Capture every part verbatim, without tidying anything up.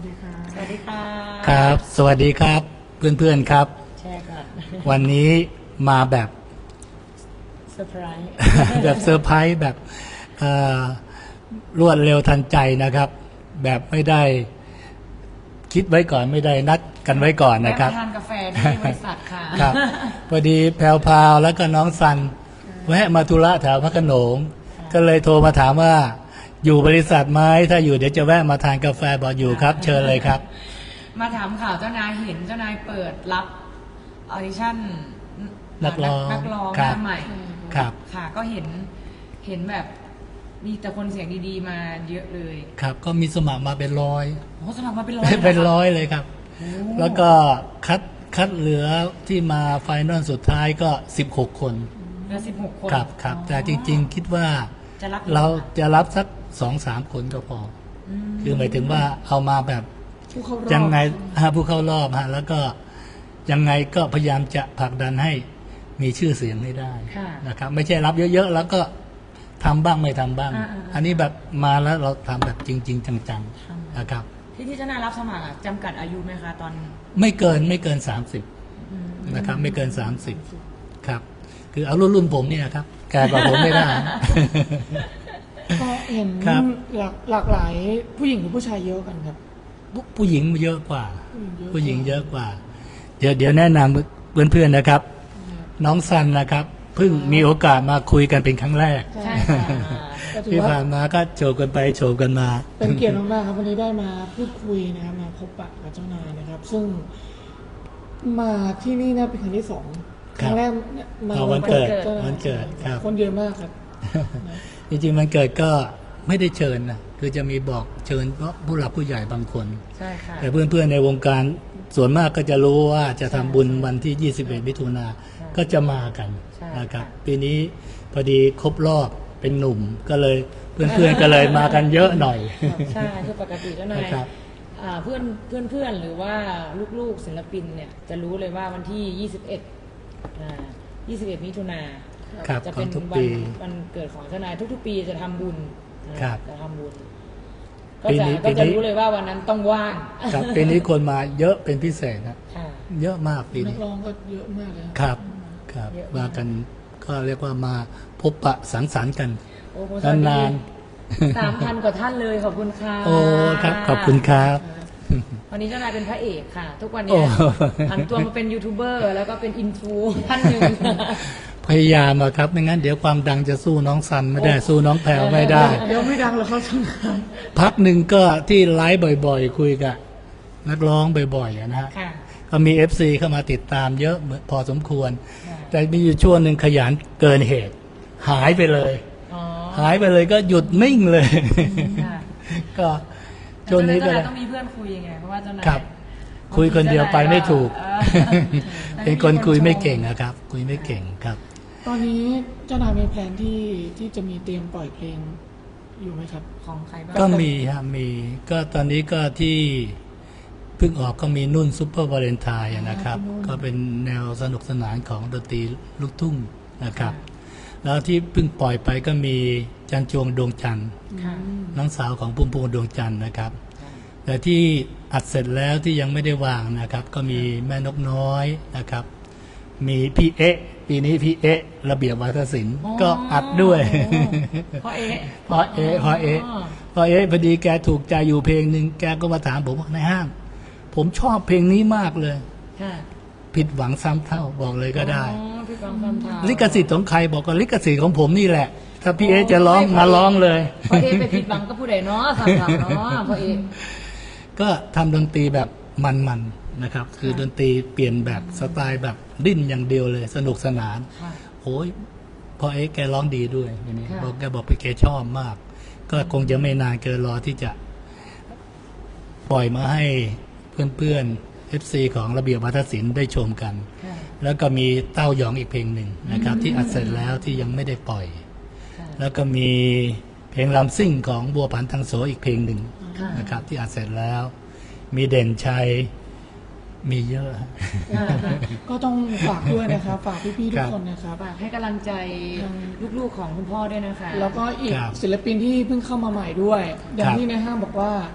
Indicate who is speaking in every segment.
Speaker 1: ดีค่ะ
Speaker 2: สวัสดีค่ะ
Speaker 3: ครับ สวัสดีครับเพื่อนๆครับ
Speaker 2: แช่ค่ะ
Speaker 3: วันนี้มาแบบ
Speaker 2: เซอร์ไพรส์
Speaker 3: แบบเซอร์ไพรส์แบบเอ่อรวดเร็วทันใจนะครับ แบบไม่ได้คิดไว้ก่อนไม่ได้นัดกันไว้ก่อนนะครับ
Speaker 2: ทานกาแฟที่บริษัทค่ะ
Speaker 3: ครับพอดีแพรวพราวแล้วก็น้องซันแวะมาธุระแถวพระโขนงก็เลยโทรมาถามว่าอยู่บริษัทไหมถ้าอยู่เดี๋ยวจะแวะมาทานกาแฟบอกอยู่ครับ เชิญเลยครับ
Speaker 2: มาถามข่าวเจ้านายเห็นเจ้านายเปิดรับออดิชั่น
Speaker 3: นักร้อง
Speaker 2: นักร้องห
Speaker 3: ครับ
Speaker 2: น้าใหม่
Speaker 3: ครับ
Speaker 2: ค่ะ ก็เห็นเห็นแบบมีแต่คนเสียงดีๆมาเยอะเลย
Speaker 3: ครับก็มีสมัครมาเป็นร้อย
Speaker 2: โอ้สมัครมาเป็นร้อย
Speaker 3: เป็น
Speaker 2: หคะ
Speaker 3: ร้อยเลยครับ
Speaker 2: โอ้
Speaker 3: แล้วก็คัดคัดเหลือที่มาไฟนอลสุดท้ายก็สิบหกคน
Speaker 2: เหลือสิบหกคน
Speaker 3: ครับครับ แต่จริงๆคิดว่า
Speaker 2: จะรับ
Speaker 3: เราจะรับสักสองสามคนก็พอ
Speaker 2: อืม
Speaker 3: คือหมายถึงว่าเอามาแบบ
Speaker 1: ผู้เข้ารอบ
Speaker 3: ยังไงฮะผู้เข้ารอบฮะแล้วก็ยังไงก็พยายามจะผลักดันให้มีชื่อเสียงให้ได้
Speaker 2: ค่ะ
Speaker 3: นะครับ ไม่ใช่รับเยอะๆแล้วก็ทำบ้างไม่ทำบ้าง
Speaker 2: อ่าๆ
Speaker 3: อันนี้แบบมาแล้วเราทำแบบจริง ๆ จังๆนะครับ
Speaker 2: ที่ที่เจ้านายรับสมัครอะจำกัดอายุไหมคะตอน
Speaker 3: ไม่เกินไม่เกินสามสิบ
Speaker 2: อืม
Speaker 3: นะครับ ไม่เกินสามสิบครับ คือเอารุ่นรุ่นผมเนี่ยครับแก่กว่าผมไม่ได้
Speaker 1: ก็เห็น
Speaker 3: ครับ
Speaker 1: หลากหลากหลายผู้หญิงหรือผู้ชายเยอะกันครับ
Speaker 3: ผู้ผู้หญิงเยอะกว่า
Speaker 1: ผู้
Speaker 3: ผู้
Speaker 1: ห
Speaker 3: ห
Speaker 1: ญิ
Speaker 3: ญิ
Speaker 1: ง
Speaker 3: ง
Speaker 1: เย
Speaker 3: เย
Speaker 1: อะ
Speaker 3: อะกว่า เดี๋ยวเดี๋ยวแนะนำเพื่อนๆนะครับ น้องซันนะครับเพิ่งมีโอกาสมาคุยกันเป็นครั้งแรก
Speaker 2: ใช่ค่ะ
Speaker 1: ก็ถือ
Speaker 3: ที่
Speaker 1: ว่า
Speaker 3: ผ่านมาก็โฉบกันไปโฉบกันมา
Speaker 1: เป็นเกียรติมากๆครับวันนี้ได้มาพูดคุยนะครับมาพบปะกับเจ้านายนะครับ ซึ่งมาที่นี่นะเป็นครั้งที่สองครั้งแรกเนี่ยมา
Speaker 3: เอาวันเกิด
Speaker 1: จ้านาย
Speaker 3: วันเกิดครับ
Speaker 1: คนเยอะมากครับ
Speaker 3: จริงๆมันเกิดก็ไม่ได้เชิญนะคือจะมีบอกเชิญเพราะผู้หลักผู้ใหญ่บางคน
Speaker 2: ใช่ค่ะ
Speaker 3: แต่เพื่อนๆในวงการส่วนมากก็จะรู้ว่าจะทำบุญวันที่ยี่สิบเอ็ดมิถุนาก็จะมากัน
Speaker 2: ใช่
Speaker 3: นะครับ
Speaker 2: ค่ะ
Speaker 3: ปีนี้พอดีครบรอบเป็นหนุ่มก็เลยเพื่อนๆก็เลยมากันเยอะหน่อย
Speaker 2: ใช่คือปกติเจ้านาย
Speaker 3: นะครับ
Speaker 2: อ่าเพื่อนเพื่อนเพื่อนหรือว่าลูกๆศิลปินเนี่ยจะรู้เลยว่าวันที่ยี่สิบเอ็ดอ่ายี่สิบเอ็ดมิถุนา
Speaker 3: ครับ
Speaker 2: จะ
Speaker 3: ขอ
Speaker 2: เป็
Speaker 3: ง
Speaker 2: น
Speaker 3: ทุก
Speaker 2: วั
Speaker 3: ปี
Speaker 2: วันเกิดของเจ้านายทุกๆ ปีจะทำบุญนะครับ จะทำบุญ ก็
Speaker 3: ปี
Speaker 2: จะ
Speaker 3: นี้
Speaker 2: ก็
Speaker 3: ปี
Speaker 2: จะ
Speaker 3: นี้
Speaker 2: รู้เลยว่าวันนั้นต้องว่าง
Speaker 3: ครับปีนี้คนมาเยอะเป็นพิเศษนะ
Speaker 2: ค่ะ
Speaker 3: เยอะมากปี
Speaker 1: นั
Speaker 3: นี้
Speaker 1: กร้องก็เยอะมากเลย
Speaker 3: ครับครับ
Speaker 2: เยอะมาก
Speaker 3: มากันก็เรียกว่ามาพบปะสังสรรค์กัน
Speaker 2: โอ้โหสวัสดี
Speaker 3: นาน
Speaker 2: สามพันกว่าท่านเลยขอบคุณค่ะ
Speaker 3: ๆ โอ้ครับขอบคุณครับ
Speaker 2: วันนี้เจ้านายเป็นพระเอกค่ะ ทุกวัน
Speaker 3: โอ้
Speaker 2: นี้ผันตัวมาเป็นยูทูบเบอร์แล้วก็เป็นอินฟูท่านหนึ่ง
Speaker 3: พยายามอะครับไม่งั้นเดี๋ยวความดังจะสู้น้องซันไม่ได้สู้น้องแพรวไม่ได้
Speaker 1: เดี๋ยวไม่ดังหรอกเขาทำงาน
Speaker 3: พักหนึ่งก็ที่ไลฟ์บ่อยๆ คุยกับนักร้องบ่อยๆอะนะฮะ
Speaker 2: ค่ะ
Speaker 3: ก็มี เอฟ ซี เข้ามาติดตามเยอะเหมือนพอสมควร
Speaker 2: ค่ะ
Speaker 3: แต่มีอยู่ช่วงหนึ่งขยันเกินเหตุ หายไปเลย
Speaker 2: อ๋อ
Speaker 3: หายไปเลยก็หยุดนิ่งเลย
Speaker 2: ค่ะ
Speaker 3: ก็ช่วงนี้ก็
Speaker 2: เจ้า
Speaker 3: เล
Speaker 2: นาย ยต้องมีเพื่อนคุยยังไงเพราะว่าเจ้านาย
Speaker 3: ครับ คุยคนเดียวไปไม่ถูก
Speaker 2: เออ
Speaker 3: เป็นคนคุยไม่เก่งอะครับ คุยไม่เก่งครับ
Speaker 1: ตอนนี้เจ้านายมีแผนที่ที่จะมีเตรียมปล่อยเพลงอยู่ไหมครับ
Speaker 2: ของใครบ้าง
Speaker 3: ก็มีฮะมีก็ตอนนี้ก็ที่เพิ่งออกก็มีนุ่นซุปเปอร์วาเลนไทน์นะครับ
Speaker 1: พี่นุ่น
Speaker 3: ก็เป็นแนวสนุกสนานของดนตรีลูกทุ่งนะครับ แล้วที่เพิ่งปล่อยไปก็มีจันจวงดวงจันทร์
Speaker 2: ค่ะ
Speaker 3: น้องสาวของพุ่มพวงดวงจันทร์นะครับ แต่ที่อัดเสร็จแล้วที่ยังไม่ได้วางนะครับ ก็มีแม่นกน้อยนะครับ มีพี่เอ๊ะปีนี้พี่เอ๊ะระเบียบวัฒนศิลป์ก็อัดด้วย
Speaker 2: พ่อเอ๊ะ
Speaker 3: พอเอ๊ะพอเอ๊ะพอเอ๊ะพอดีแกถูกใจอยู่เพลงหนึ่งแกก็มาถามผมว่าในห้าง ผมชอบเพลงนี้มากเลย
Speaker 2: ค่ะ
Speaker 3: ผิดหวังซ้ำเท่าบอกเลยก็ได้
Speaker 2: อ๋อพี่กองคำถาม
Speaker 3: ลิขสิทธิ์ของใครบอกว่าลิขสิทธิ์ของผมนี่แหละ ถ้าพี่เอ๊ะจะร้องมาร้องเลย
Speaker 2: พ่อเอ๊ะไปผิดหวังก็ผู้ใดเนาะสามสามเนาะพ่อเอ๊ะ
Speaker 3: ก็ทำดนตรีแบบมันๆนะครับ คือดนตรีเปลี่ยนแบบสไตล์แบบดิ้นอย่างเดียวเลย สนุกสนาน
Speaker 2: ค่ะ
Speaker 3: โอ้ยพอเอ๊ะแกร้องดีด้วยอย่างนี้
Speaker 2: ค่ะ
Speaker 3: บอกแกบอกไปแกชอบมาก ก็คงจะไม่นานเกินรอที่จะปล่อยมาให้เพื่อนๆ เอฟ ซี ของระเบียบวัฒนศิลป์ได้ชมกัน
Speaker 2: ค่ะ
Speaker 3: แล้วก็มีเต้าหยองอีกเพลงหนึ่งนะครับ ที่อัดเสร็จแล้วที่ยังไม่ได้ปล่อย
Speaker 2: ค่ะ
Speaker 3: แล้วก็มีเพลงลำซิ่งของบัวผันทางโสอีกเพลงหนึ่ง
Speaker 2: ค่ะ
Speaker 3: นะครับ ที่อัดเสร็จแล้ว มีเด่นชัยมีเยอะ
Speaker 1: ก็ต้องฝากด้วยนะครับ ฝากพี่ๆทุกคนนะครับ
Speaker 2: ฝากให้กำลังใจลูกๆของคุณพ่อด้วยนะคะ
Speaker 1: แล้วก็อีก
Speaker 3: ครับ
Speaker 1: ศิลปินที่เพิ่งเข้ามาใหม่ด้วย อย่าง
Speaker 3: ครับ
Speaker 1: ที่ในห้างบอกว่า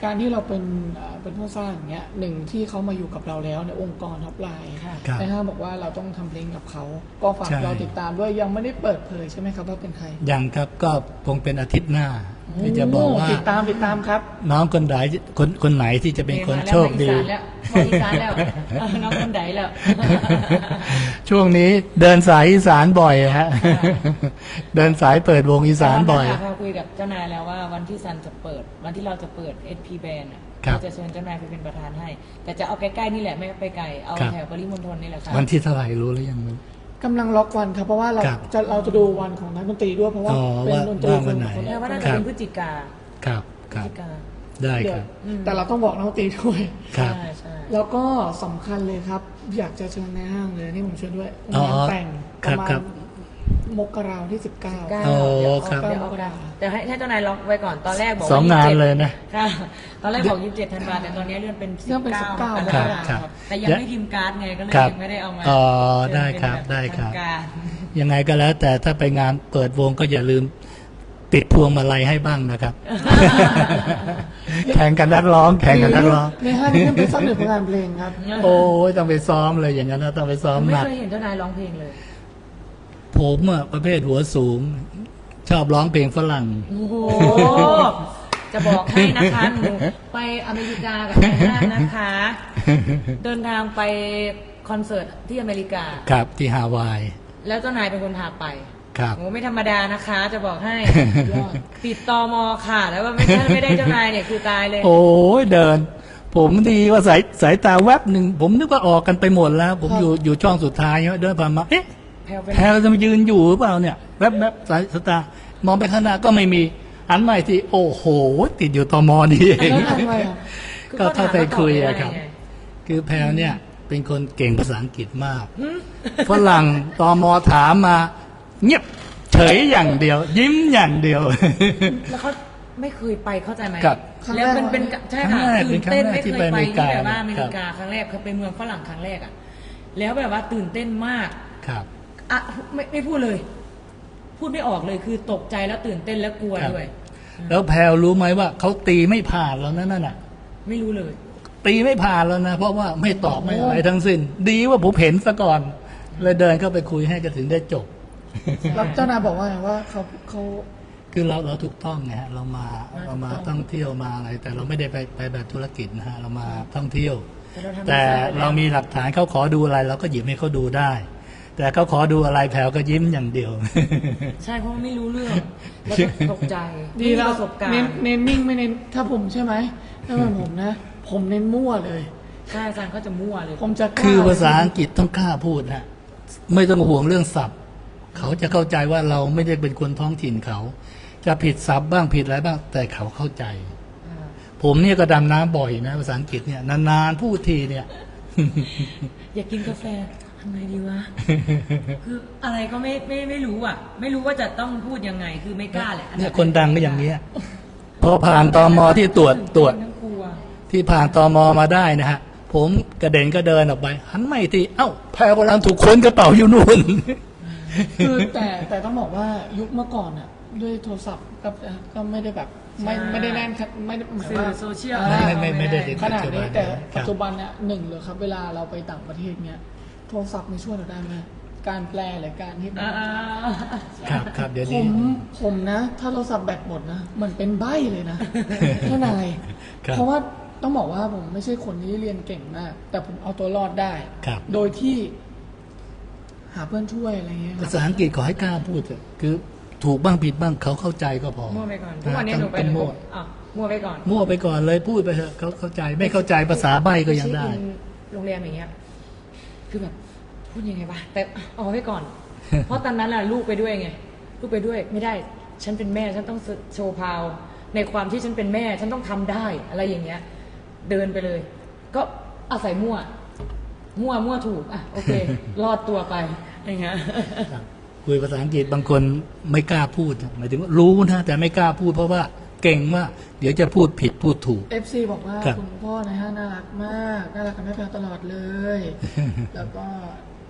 Speaker 1: การที่เราเป็นเอ่อเป็นผู้สร้างอย่างเงี้ยหนึ่งที่เขามาอยู่กับเราแล้วในองค์กรท็อปไลน์
Speaker 2: ค่ะ
Speaker 3: ครับ
Speaker 1: นะฮะบอกว่าเราต้องทำเพลงกับเขาก็ฝาก
Speaker 3: ใช่
Speaker 1: เราติดตามด้วยยังไม่ได้เปิดเผยใช่ไหมครับว่าเป็นใคร
Speaker 3: ยังครับก็คงเป็นอาทิตย์หน้าที่จะบอกว่า
Speaker 1: โติดตามติดตามครับ
Speaker 3: น้องคนไหนคนคนไหนที่จะเป็นคนโชคดี
Speaker 2: มาอีสานแล้วมาอีสานแล้วน้องคนไหนแล้ว
Speaker 3: ช่วงนี้เดินสายอีสานบ่อยฮะ เดินสายเปิดวงอีสานบ่อย
Speaker 2: เราคุยกับเจ้านายแล้วว่าวันที่ซันจะเปิด วันที่เราจะเปิด เอส พี Band อ่ะ
Speaker 3: ครับ
Speaker 2: เราจะเชิญเจ้านายไปเป็นประธานให้ แต่จะเอาใกล้ๆนี่แหละไม่ไปไกลเอา
Speaker 3: ครับ
Speaker 2: แถวปริมณฑลนี่แหละค่ะ
Speaker 3: วันที่เท่าไหร่รู้หรือยังมั้ย
Speaker 1: กำลังล็อกวันครับเพราะว่าเรา
Speaker 3: ครับ
Speaker 1: จะเราจะดูวันของนักดนตรีด้วยเพราะว่า
Speaker 3: อ๋อ
Speaker 1: เป็น
Speaker 3: ว่า
Speaker 1: ดนตรี
Speaker 3: ว่า
Speaker 1: ค
Speaker 3: วัน
Speaker 1: น
Speaker 3: ไหน
Speaker 1: คน
Speaker 2: แล้
Speaker 1: ละ
Speaker 2: วว่าน่า
Speaker 3: ค
Speaker 2: จะ
Speaker 3: รับ
Speaker 2: เป็นพฤศจิกา
Speaker 3: ครับค
Speaker 2: พฤ
Speaker 3: รั
Speaker 2: ศ
Speaker 3: บ
Speaker 2: จิกา
Speaker 3: ได้
Speaker 1: เดี๋ย
Speaker 3: คว รับ
Speaker 2: อืม
Speaker 1: แต่เราต้องบอกนักดนตรีด้วย
Speaker 3: ครับ
Speaker 2: ใช่ใช่
Speaker 1: แล้วก็สำคัญเลยครับ อยากจะเชิญในห้างเลยนี่ผมเชิญด้วย
Speaker 3: อ๋อง
Speaker 1: านแต่ง
Speaker 3: ค
Speaker 1: ป
Speaker 3: รับ
Speaker 1: ระมา
Speaker 3: ครั
Speaker 1: ณ
Speaker 3: บ
Speaker 1: มกราที่สิบเก้า
Speaker 2: เก้า
Speaker 3: โอ้
Speaker 2: เดี๋ยว
Speaker 3: ครับ
Speaker 2: เดี๋ยวเอากันแต่ให้ให้เจ้านายล็อกไว้ก่อนตอนแรกบอก
Speaker 3: สองงานเลยนะ
Speaker 2: ค่ะตอนแรกบอกยี่สิบเจ็ดธันวาแต่ตอนนี้เลื่อนเป็น
Speaker 1: เรื่องเป็นสิบเก้า
Speaker 2: สิ
Speaker 1: ม
Speaker 2: บ
Speaker 1: ก
Speaker 2: เก้า
Speaker 1: รา
Speaker 3: ครับ
Speaker 1: ครับ
Speaker 2: แต่ยังไม่พิมพ์การ์ดไงก็เลย
Speaker 3: ครับ
Speaker 2: ยังไม่ได้เอามา
Speaker 3: อ๋อ
Speaker 2: เลื่อน
Speaker 3: ได้ครับ
Speaker 2: เป็นแ
Speaker 3: ได้ครับ
Speaker 2: ทางการ
Speaker 3: ยังไงก็แล้วแต่ถ้าไปงานเปิดวงก็อย่าลืมติดพวงมาลัยให้บ้างนะครับ แข่งกันนักร้อง แข่งกันนักร้อง
Speaker 1: ในห้างนี่เป็นสักหนึ่งผลงานเพลงครับ
Speaker 3: โอ้ยต้องไปซ้อมเลยอย่างนั้นนะต้องไปซ้อม
Speaker 2: ไม่
Speaker 3: หนัก
Speaker 2: เคยเห็นเจ้านายร้องเพลงเลย
Speaker 3: ผมอะประเภทหัวสูง ชอบร้องเพลงฝรั่ง
Speaker 2: โอ้โห จะบอกให้นะคะหนูไปอเมริกากับนายห้างนะคะ เดินทางไปคอนเสิร์ตที่อเมริกา
Speaker 3: ครับที่ฮาวาย
Speaker 2: แล้วเจ้านายเป็นคนพาไป
Speaker 3: ครับ
Speaker 2: โอ้ไม่ธรรมดานะคะ จะบอกให้ติดตอมอค่ะ แล้วว่าไม่ใช่ไม่ได้เจ้านายเนี่ยคือตายเลย
Speaker 3: โอ้ยเดิน ผมดีว่าสายสายตาแวบหนึ่งผมนึกว่าออกกันไปหมดแล้ว ผม
Speaker 1: ครับ
Speaker 3: อยู่อยู่ช่องสุดท้ายเนี่ยเดินผ่านมาเอ๊ะ
Speaker 2: แพลวเป็น
Speaker 3: แพรจะมายืนอยู่หรือเปล่าเนี่ยแวบแวบสายสายตามองไปข้างหน้าก็ไม่มีหันมาอีกทีโอ้โห ติดอยู่ตมนี่เอง
Speaker 1: แล้วทำไงอ่ะ
Speaker 3: ก็เข้าไปคุยอะครับ
Speaker 2: ไง
Speaker 3: คือแพรเนี่ยเป็นคนเก่งภาษาอังกฤษมากฝรั่งตมถามมา เงียบเฉยอย่างเดียว ยิ้มอย่างเดียว
Speaker 2: แล้วเขาไม่เคยไปเข้าใจไหม
Speaker 3: ครับ
Speaker 2: แล้วมันเป็นใช่ค่ะ
Speaker 3: ครั้งแรก
Speaker 2: ตื่นเต้น
Speaker 3: เป็นครั้งแรก
Speaker 2: ไม่เค
Speaker 3: ที่
Speaker 2: ย
Speaker 3: ไป
Speaker 2: ไป
Speaker 3: อเมริ
Speaker 2: ที่
Speaker 3: กา
Speaker 2: แบบว่าอเมริกา
Speaker 3: ครับ
Speaker 2: ครั้งแรกเขาไปเมืองฝรั่งครั้งแรกอ่ะแล้วแบบว่าตื่นเต้นมาก
Speaker 3: ครับ
Speaker 2: อ่ะไม่ไม่พูดเลย พูดไม่ออกเลยคือตกใจแล้วตื่นเต้นแล้วกลัว
Speaker 3: ครับ
Speaker 2: ด้วย
Speaker 3: แล้วแพรรู้ไหมว่าเขาตีไม่ผ่านแล้วนะนั่นน่ะ
Speaker 2: ไม่รู้เลย
Speaker 3: ตีไม่ผ่านแล้วนะ เพราะว่าไม่ตอบไม่อะไรทั้งสิ้น ดีว่าผมเห็นซะก่อน เลยเดินเข้าไปคุยให้ก็ถึงได้จบ
Speaker 1: แล้วเจ้านายบอกว่าไงว่าเขาเขา
Speaker 3: คือเราเราถูกต้องไงฮะเรามาเรามาท่องเที่ยวมาอะไร แต่เราไม่ได้ไปไปแบบธุรกิจนะฮะเรามาท่องเที่ยว
Speaker 2: แต่เราทำ
Speaker 3: แต่
Speaker 2: ไม่ได้
Speaker 3: เรามีหลักฐานเขาขอดูอะไร เราก็หยิบให้เขาดูได้ แต่เขาขอดูอะไรแผวก็ยิ้มอย่างเดียว
Speaker 2: ใช่เพราะว่าไม่รู้เรื่อง แล้วก็ตกใจ
Speaker 1: ดี
Speaker 2: ไม่มี
Speaker 1: แล้ว
Speaker 2: ประสบการ
Speaker 1: เน้น
Speaker 2: ณ์
Speaker 1: เน้นนิ่งไม่เน้นถ้าผมใช่ไหมถ้าเป็นผมนะ ผมเน้นมั่วเลย
Speaker 2: ใช่อาจารย์ก็จะมั่วเลย
Speaker 1: ผมจะกล้
Speaker 3: คือภาษาอังกฤษต้องกล้าพูดฮะไม่ต้องห่วงเรื่องศัพท์ เขาจะเข้าใจว่าเราไม่ได้เป็นคนท้องถิ่นเขา จะผิดศัพท์บ้างผิดอะไรบ้าง แต่เขาเข้าใจ
Speaker 2: อ่า
Speaker 3: ผมเนี่ยก็ดำน้ำบ่อยนะภาษาอังกฤษเนี่ยนานๆพูดทีเนี่ย
Speaker 2: อยากกินกาแฟทำไงดีวะ คืออะไรก็ไม่ไม่ไม่รู้อ่ะ ไม่รู้ว่าจะต้องพูดยังไง คือไม่กล้าแหละ
Speaker 3: เนี่ยคนดังก็อย่างเงี้ยพอผ่านตมที่ตรวจตรวจ
Speaker 2: ทั้งกลัว
Speaker 3: ที่ผ่านตมมาได้นะฮะ ผมกระเด็นก็เดินออกไป หันไม่ทีเอ้าแพรกำลังถูกค้นกระเป๋าอยู่นู่น
Speaker 1: คือแต่แต่ต้องบอกว่ายุคเมื่อก่อนอ่ะ ด้วยโทรศัพท์ก็ก็ไม่ได้แบบไม่
Speaker 2: ใช่
Speaker 1: ไม่ได้แน่นครับไม่ได้หมาย
Speaker 2: สื่
Speaker 1: ว่า
Speaker 2: อโซเชียล
Speaker 1: อ่า
Speaker 3: ไม่ไม่ไม่ได้ติด
Speaker 1: ขนาดนี้แต่
Speaker 3: ครับ
Speaker 1: ปัจจุบันเนี่ยหนึ่งเลยครับ เวลาเราไปต่างประเทศเนี้ยโทรศัพท์ไม่ช่วยเราได้ไหมการแปลหรือการที่
Speaker 2: อ่า
Speaker 3: ครับครับเดี๋ยว
Speaker 1: ผ
Speaker 3: นี้
Speaker 1: มผมนะ ถ้าโทรศัพท์แบตหมดนะมันเป็นใบ้เลยนะ เท่านาย
Speaker 3: ครับ
Speaker 1: เพราะว่าต้องบอกว่าผมไม่ใช่คนที่เรียนเก่งมาก แต่ผมเอาตัวรอดได้
Speaker 3: ครับ
Speaker 1: โดยที่ หาเพื่อนช่วยอะไรเงี้ยค
Speaker 3: ภา
Speaker 1: รับ
Speaker 3: ษาอังกฤษขอให้กล้าพูดเถอะคือถูกบ้างผิดบ้างเขาเข้าใจก็พอ
Speaker 2: มั่วไปก่อนทุกวันนี้หนูไป
Speaker 3: ต้อง
Speaker 2: หนู
Speaker 3: มั่ว
Speaker 2: อ่ะมั่วไปก่อน
Speaker 3: มั่วไปก่อนเลยพูดไปเถอะเขาเข้าใจไม่เข้าใจภาษาใบ้ก็ยังได้
Speaker 2: เช็คอินโรงแรมอย่างเงี้ย คือแบบพูดยังไงวะแต่เอาไว้ก่อน เพราะตอนนั้นน่ะลูกไปด้วยไง ลูกไปด้วยไม่ได้ ฉันเป็นแม่ฉันต้องโชว์พาว ในความที่ฉันเป็นแม่ ฉันต้องทำได้อะไรอย่างเงี้ย เดินไปเลย ก็อาศัยมั่ว มั่วมั่วถูกอ่ะโอเค รอดตัวไปอย่างเงี้ย
Speaker 3: ครับคุยภาษาอังกฤษบางคนไม่กล้าพูดหมายถึงว่ารู้นะแต่ไม่กล้าพูดเพราะว่าเก่งว่า เดี๋ยวจะพูดผิดพูดถูก
Speaker 1: เอฟซีบอกว่า
Speaker 3: ครับ
Speaker 1: คุณพ่อนะฮะน่ารักมาก น่ารักกับแม่แพรตลอดเลย แล้วก็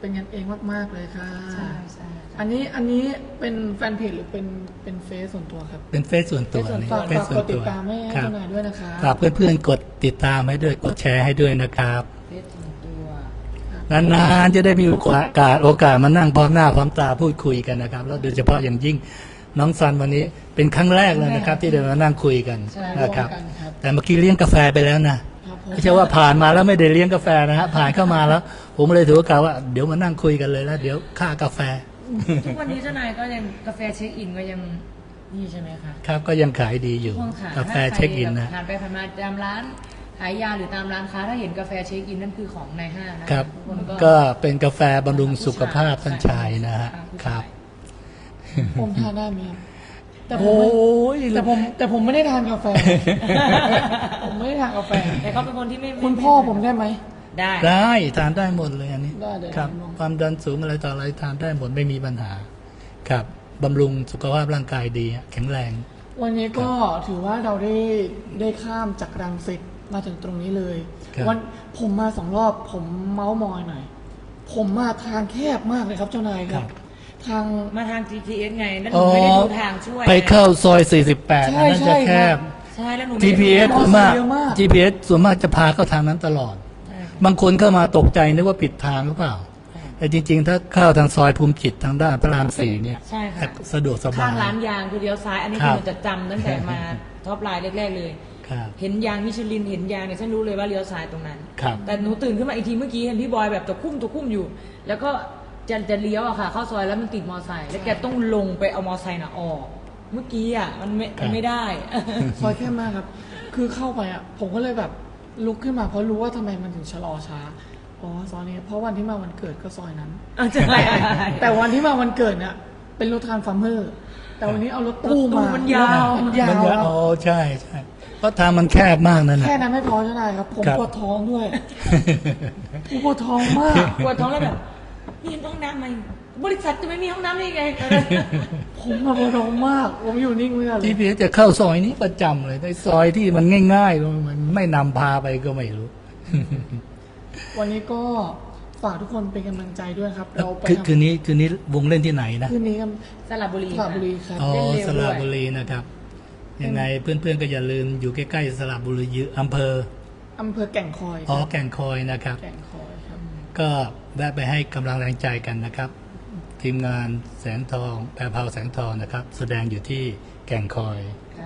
Speaker 1: เป็นกันเองมากๆเลยค่ะ
Speaker 2: ใช่ใช่
Speaker 1: อันนี้อันนี้เป็นแฟนเพจหรือเป็นเป็นเฟซส่วนตัวครับ
Speaker 3: เป็นเฟซส่วนตัวนี่
Speaker 1: ฝาก
Speaker 3: เฟซ
Speaker 1: ฝาก
Speaker 3: ส่ว
Speaker 1: ก
Speaker 3: น
Speaker 1: ดติ
Speaker 3: ตั
Speaker 1: ด
Speaker 3: ว
Speaker 1: ตามให้ให้
Speaker 3: ครับ
Speaker 1: เจ้านายด้วยนะคะ
Speaker 3: ฝากเพื่อนๆกดติดตามให้ด้วยกดแชร์ให้ด้วยนะครับ
Speaker 2: เฟซส่วนตัว
Speaker 3: นานๆจะได้มีโอกาสโอกาสมานั่งพร้อมหน้าพร้อมตาพูดคุยกันนะครับแล้วโดยเฉพาะอย่างยิ่งน้องซันวันนี้เป็นครั้งแรกเลยนะครับ ที่ได้มานั่งคุยกัน
Speaker 2: ใช่
Speaker 3: นะครับ
Speaker 1: ร่วมกันครับ
Speaker 3: แต่เมื่อกี้เลี้ยงกาแฟไปแล้วนะครับ
Speaker 1: ผม
Speaker 3: ไม่ใช่ว่าผ่านมาแล้วไม่ได้เลี้ยงกาแฟนะฮะผ่านเข้ามาแล้ว ผมเลยถือโอกาสว่าเดี๋ยวมานั่งคุยกันเลยแล้วเดี๋ยวค่ากาแฟ
Speaker 2: ทุกวันนี้เจ้านายก็ยังกาแฟเช็คอินก็ยังนี่ใช่ไหมคะ
Speaker 3: ครับก็ยังขายดีอยู่
Speaker 2: ห้องขาย
Speaker 3: กาแฟเช็คอินนะ
Speaker 2: ผ่านไปผ่านมาตามร้านขายยาหรือตามร้านค้าถ้าเห็นกาแฟเช็คอินนั่นคือของในห้างนะครับ ทุกคนก็
Speaker 3: ก็เป็นกาแฟบำรุงสุขภาพท่านชายนะฮะ
Speaker 2: ผู้
Speaker 3: ค
Speaker 2: ชา
Speaker 3: รั
Speaker 2: ย
Speaker 3: บ
Speaker 1: ผมทานได้ไหมครับแต่ผม
Speaker 3: โอ้
Speaker 1: ไม่
Speaker 3: ย
Speaker 1: แต่ผมแต่ผมไม่ได้ทานกาแฟ ผมไม่ได้ทานกาแฟ
Speaker 2: แต่เขาเป็นคนที่ไม่ไ
Speaker 1: คุณพ่อผมได้ไหม
Speaker 2: ได้
Speaker 3: ได้ทานได้หมดเลยอันนี้
Speaker 1: ได้เลย
Speaker 3: ครับ
Speaker 1: ลอง
Speaker 3: ความดันสูงอะไรต่ออะไรทานได้หมดไม่มีปัญหา ครับบำรุงสุขภาพร่างกายดีแข็งแรง
Speaker 1: วันนี้ก็ถือว่าเราได้ได้ข้ามจากรังสิตมาถึงตรงนี้เลย
Speaker 3: ครับ
Speaker 1: วันผมมาสองรอบผมเมาส์มอยหน่อย ผมมาทางแคบมากเลยครับเจ้านายครับ ทาง
Speaker 2: มาทาง จี พี เอส ไงแล้วหนูไม่ได้ดูทางช่วย
Speaker 3: ไปเข้าซอย สี่สิบแปด
Speaker 1: ใช่
Speaker 3: อันนั้นจะแคบ
Speaker 2: ใช่แล้วหนู
Speaker 3: จี
Speaker 2: ไม่ได้
Speaker 3: พี เอส
Speaker 2: ดู
Speaker 3: ส่วนมาก
Speaker 1: เยอะมาก
Speaker 3: จี พี เอส ส่วนมากจะพาเข้าทางนั้นตลอด
Speaker 2: ใช่ค่ะ
Speaker 3: บางคนเข้ามาตกใจนึกว่าผิดทางหรือเปล่า แต่จริง ๆ ถ้าเข้าทางซอยภูมิจิตทางด้านพระรามสี่เนี่ย
Speaker 2: ใช่ค่ะ
Speaker 3: สะดวกสบา
Speaker 2: ข้าย งร้านยางคือเลี้ยวซ้าย อันนี้
Speaker 3: ครั
Speaker 2: คื
Speaker 3: บ
Speaker 2: อหนูจะจำตั้งแต่มาท็อปไลน์แรกๆเลย
Speaker 3: ครับ
Speaker 2: เห็นยางมิชลินเห็นยางเนี่ยฉันรู้เลยว่าเลี้ยวซ้ายตรงนั้น
Speaker 3: ครับ
Speaker 2: แต่หนูตื่นขึ้นมาอีกทีเมื่อกี้เห็นพี่บอยแบบตะคุ่มตะคุ่มอยู่ แล้วก็จะจะเลี้ยวอะค่ะ เข้าซอยแล้วมันติดมอไซค์แล้วแกต้องลงไปเอามอไซค์น่ะออก เมื่อกี้อะมันไม่มันไม่ได้
Speaker 1: ซอยแคบมากครับ คือเข้าไปอ่ะ ผมก็เลยแบบลุกขึ้นมาเพราะรู้ว่าทำไมมันถึงชะลอช้า อ๋อซอยนี้ เพราะวันที่มาวันเกิดก็ซอยนั้น
Speaker 2: เอาใช่
Speaker 1: แต่วันที่มาวันเกิดเนี่ยเป็นรถทรานส์ฟาร์มเมอร์ แต่วันนี้เอารถตู้
Speaker 2: รถตู้
Speaker 1: มา
Speaker 2: มันยาว
Speaker 1: มันยาว
Speaker 3: มัน
Speaker 1: ค
Speaker 3: จะ
Speaker 1: รับ
Speaker 3: อ๋อใช่ใช่เพราะทางมันแคบมากนั่นแหละ
Speaker 1: แค่นั้นไม่พอใช่ไหมครับ ผม
Speaker 3: ครับ
Speaker 1: ปวดท้องด้วยผมปวดท้องมาก
Speaker 2: ปวดท้องแล้วแบบนี่เห็นห้องน้ำไหมบริษัทจะไม่มีห้องน้ำได้ยังไง
Speaker 1: ผมมาปวดท้องมาก ผมอยู่นิ่งไม่ได้เล
Speaker 3: จี
Speaker 1: ย
Speaker 3: พีเอสจะเข้าซอยนี้ประจำเลยในซอยที่มันง่ายๆมันไม่นำพาไปก็ไม่รู้
Speaker 1: วันนี้ก็ฝากทุกคนเป็นกำลังใจด้วยครับ เราไป
Speaker 3: คือ
Speaker 1: ทำ
Speaker 3: คืนนี้คืนนี้วงเล่นที่ไหนนะ
Speaker 1: คืนนี้กัน
Speaker 2: สระบุรี
Speaker 1: สระบุรีครับ
Speaker 3: อ๋อ
Speaker 2: เล่นเร็ว
Speaker 3: ส
Speaker 2: ด้วย
Speaker 3: ระบุรีนะครับ ยังไงเพื่อนๆก็อย่าลืมอยู่ใกล้ๆสระบุรีอยู่อำเภอ
Speaker 1: อำเภอแก่งคอยค
Speaker 3: อ๋อ
Speaker 1: รับ
Speaker 3: แก่งคอยนะครับ
Speaker 1: แก่งคอยครับ
Speaker 3: ก็แวะไปให้กำลังแรงใจกันนะครับ ทีมงานแสงทองแปรเผาแสงทองนะครับ แสดงอยู่ที่แก่งคอย
Speaker 2: ค่ะ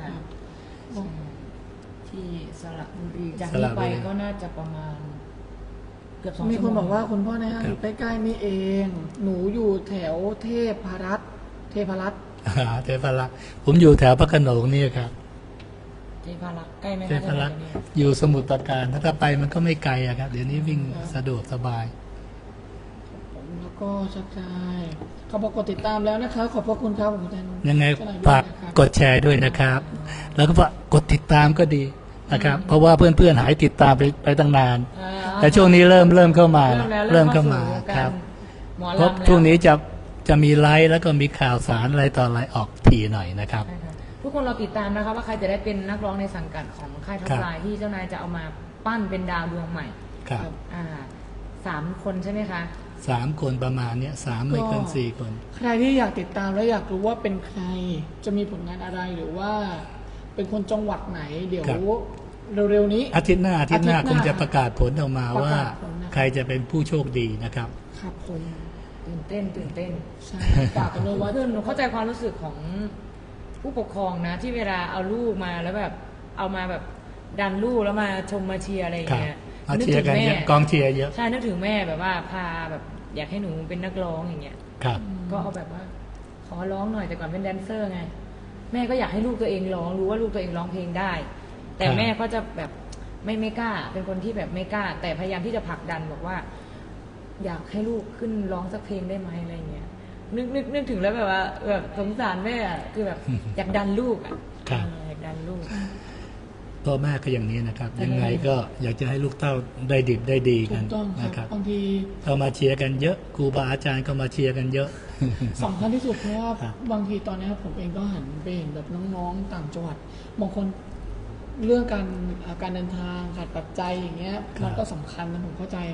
Speaker 2: ที่สระบุรีจาก
Speaker 3: สระ
Speaker 2: นี้
Speaker 3: บุ
Speaker 2: ไป
Speaker 3: รี
Speaker 2: ก็น่าจะประมาณ เกือบสอง
Speaker 1: มี
Speaker 2: ชั่ว
Speaker 1: ค
Speaker 2: โม
Speaker 1: น
Speaker 2: ง
Speaker 1: บอกว่าคุณพ่อในห้าง
Speaker 3: ครับ
Speaker 1: อยู่ใกล้ๆนี่เอง หนูอยู่แถวเทพรัตน์เทพรัตน์
Speaker 3: อ่าเทพรักษ์ผมอยู่แถวพระโขนงนี่ครับ
Speaker 2: เทพารักษ์ใกล้ไหม
Speaker 3: เท
Speaker 2: คะ
Speaker 3: พรักษ์
Speaker 2: เดี๋ยวนี้
Speaker 3: อยู่สมุทรปราการถ้าไปมันก็ไม่ไกลอะครับ เดี๋ยวนี้วิ่งสะดวกสบาย
Speaker 1: ผมแล้วก็ชักชายเขาบอกกดติดตามแล้วนะคะ ขอบพระคุณครับผมแทน
Speaker 3: ยังไง
Speaker 1: เจ้นย
Speaker 3: ฝาก
Speaker 1: ด้วยนะครับ
Speaker 3: กดแชร์ด้วยนะครับ แล้วก็ฝากกดติดตามก็ดีนะครับ เพราะว่าเพื่อนๆหายติดตามไปไปตั้งนาน
Speaker 2: อ่า
Speaker 3: แต่ช่วงนี้เริ่มเริ่มเข้ามา
Speaker 2: เริ่มแล้ว
Speaker 3: เริ่มเข้ามา
Speaker 2: สู่วงก
Speaker 3: ครับ
Speaker 2: หมอ
Speaker 3: เพราะ
Speaker 2: ลำแล้ว
Speaker 3: ช่วงนี้จะจะมีไลฟ์แล้วก็มีข่าวสารอะไรต่ออะไรออกทีหน่อยนะครับ
Speaker 2: ใช่ค่ะทุกคนเราติดตามนะคะว่าใครจะได้เป็นนักร้องในสังกัดของค่ายท็อ
Speaker 3: ครั
Speaker 2: ป
Speaker 3: บ
Speaker 2: ไลน์ที่เจ้านายจะเอามาปั้นเป็นดาวดวงใหม่
Speaker 3: ครับ
Speaker 2: อ่าสามคนใช่ไหมคะ
Speaker 3: สามคนประมาณเนี้ยสามไม่เกินสี่คน
Speaker 1: ใครที่อยากติดตามและอยากรู้ว่าเป็นใครจะมีผลงานอะไรหรือว่า เป็นคนจังหวัดไหน เดี๋ยว
Speaker 3: ครับ
Speaker 1: เร็วๆนี้
Speaker 3: อาทิตย์หน้าอาทิตย์หน้า
Speaker 1: อาทิตย์ห
Speaker 3: ค
Speaker 1: น้า
Speaker 3: งจะประกาศผลออกมา
Speaker 1: ประ
Speaker 3: ว่า
Speaker 1: กาศผลนะครับ
Speaker 3: ใครจะเป็นผู้โชคดีนะครับ
Speaker 1: ครับผม
Speaker 2: ตื่นเต้นตื่นเต้น
Speaker 1: ใช่ฝากกันเลยว่า
Speaker 2: คือหนูเข้าใจความรู้สึกของผู้ปกครองนะ ที่เวลาเอาลูกมาแล้วแบบเอามาแบบดันลูกแล้วมาชมมาเชียร์อะไรอย่าง
Speaker 3: ครับ
Speaker 2: เงี้ย
Speaker 3: มา
Speaker 2: นึก
Speaker 3: เชีย
Speaker 2: ถึ
Speaker 3: ร์
Speaker 2: ง
Speaker 3: กัน
Speaker 2: แม่
Speaker 3: เยอะกองเชียร์เยอะ
Speaker 2: ใช่นึกถึงแม่แบบว่าพาแบบอยากให้หนูเป็นนักร้องอย่างเงี้ย
Speaker 3: ครับ
Speaker 2: ก็เอาแบบว่า ขอร้องหน่อยแต่ก่อนเป็นแดนเซอร์ไง แม่ก็อยากให้ลูกตัวเองร้องรู้ว่าลูกตัวเองร้องเพลงได้ แต่
Speaker 3: ครับ
Speaker 2: แม่ก็จะแบบไม่ไม่กล้า เป็นคนที่แบบไม่กล้า แต่พยายามที่จะผลักดันบอกว่า อยากให้ลูกขึ้นร้องสักเพลงได้ไหมอะไรเงี้ยนึกนึกนึกถึงแล้วแบบว่าแบบสงสารแม่อะคือแบบ อยากดันลูกอ่ะ
Speaker 3: ครับ
Speaker 2: เอออยากดันลูก
Speaker 3: พ่อแม่ก็อย่างนี้นะครับ ยังไงก็อยากจะให้ลูกเต้าได้ดิบได้ดี
Speaker 1: ถู
Speaker 3: กัน
Speaker 1: กต้องค
Speaker 3: นะค
Speaker 1: รั
Speaker 3: รั
Speaker 1: บบ บางที
Speaker 3: เข้ามาเชียร์กันเยอะครูบาอาจารย์ก็มาเชียร์กันเยอะ
Speaker 1: สำคัญที่สุดเพราะว่า
Speaker 3: ครับ
Speaker 1: บางทีตอนนี้ผมเองก็หันไปเห็นแบบน้องๆต่างจังหวัดบางคนเรื่องการอ่าการเดินทางขาดปัจจัยอย่างเงี้ย
Speaker 3: ครับ
Speaker 1: มันก็สำคัญนะผมเข้าใจ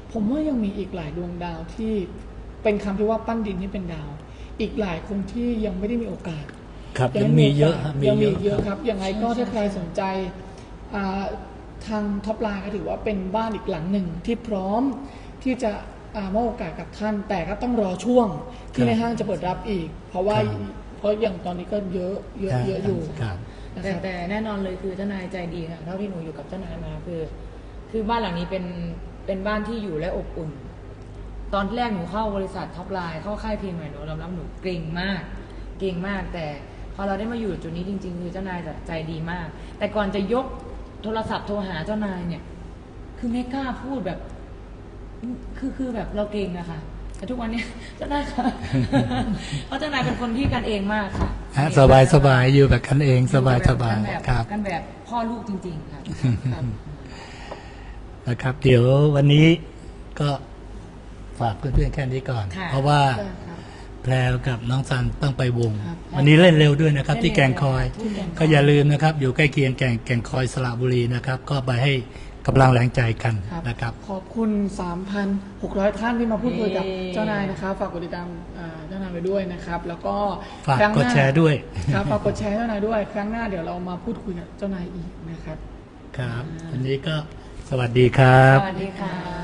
Speaker 1: ผมว่ายังมีอีกหลายดวงดาวที่เป็นคำที่ว่าปั้นดินให้เป็นดาว อีกหลายคนที่ยังไม่ได้มีโอกาส
Speaker 3: ครับยังมีเยอะฮะ
Speaker 1: ยังมี
Speaker 3: มี
Speaker 1: เย
Speaker 3: เย
Speaker 1: อะ
Speaker 3: อะ
Speaker 1: ครับยังไงก็ถ้าใครสนใจอ่าทางท็อปไลน์ก็ถือว่าเป็นบ้านอีกหลังหนึ่งที่พร้อมที่จะอ่ามอบโอกาสกับท่าน แต่ก็ต้องรอช่วงที่ในห้างจะเปิดรับอีก เพราะว่าเพราะอย่างตอนนี้ก็เยอะเยอะเยอะอยู่
Speaker 3: ครับ
Speaker 1: นะค
Speaker 2: แต่
Speaker 1: รับ
Speaker 2: แต่แน่นอนเลยคือเจ้านายใจดีค่ะเท่าที่หนูอยู่กับเจ้านายมาคือ คือบ้านหลังนี้เป็นเป็นบ้านที่อยู่และอบอุ่น ตอนแรกหนูเข้าบริษัทท็อปไลน์เข้าค่ายเพลงใหม่หนูยอมรับหนูเกรงมาก เกรงมาก แต่พอเราได้มาอยู่จุดนี้จริงๆคือเจ้านายใจดีมาก แต่ก่อนจะยกโทรศัพท์โทรหาเจ้านายเนี่ย คือไม่กล้าพูดแบบ คือคือแบบเราเกรงอะค่ะ แต่ทุกวันนี้ เจ้านายค่ะ เพราะเจ้านายเป็นคนที่กันเองมากค่ะ
Speaker 3: ฮะสบายสบายอยู่แบบกันเองสบายสบาย
Speaker 2: กันแบบ
Speaker 3: ครับ
Speaker 2: กันแบบพ่อลูกจริงๆค่ะครับ
Speaker 3: นะครับ เดี๋ยววันนี้ก็ฝากเพื่อนๆแค่นี้ก่อน
Speaker 2: ค่ะ
Speaker 3: เพราะว่า
Speaker 1: ใช่ครับ
Speaker 3: แพรวกับน้องซันต้องไปวง
Speaker 1: ครับ
Speaker 3: วันนี้เล่นเร็วด้วยนะครับ ที่แก่งคอย
Speaker 2: ที่แก่งคอย
Speaker 3: ก็อย่าลืมนะครับ อยู่ใกล้เคียงแก่งแก่งคอยสระบุรีนะครับ ก็ไปให้กำลังแรงใจกัน
Speaker 1: ครับ
Speaker 3: นะครับ
Speaker 1: ขอบคุณ สามพันหกร้อย ท่านที่มาพูดคุยกับ
Speaker 2: เย้
Speaker 1: เจ้านายนะครับ ฝากกดติดตามอ่าเจ้านายไปด้วยนะครับ แล้วก็
Speaker 3: ฝาก
Speaker 1: ครั้งห
Speaker 3: ก
Speaker 1: น้
Speaker 3: ดแชร์ด้วย
Speaker 1: ครับฝากกดแชร์ให้เจ้านายด้วย ครั้งหน้าเดี๋ยวเรามาพูดคุยกับเจ้านายอีกนะครับ
Speaker 3: ครับ วันนี้ก็สวัสดีครับ
Speaker 2: สวัสดีค่ะ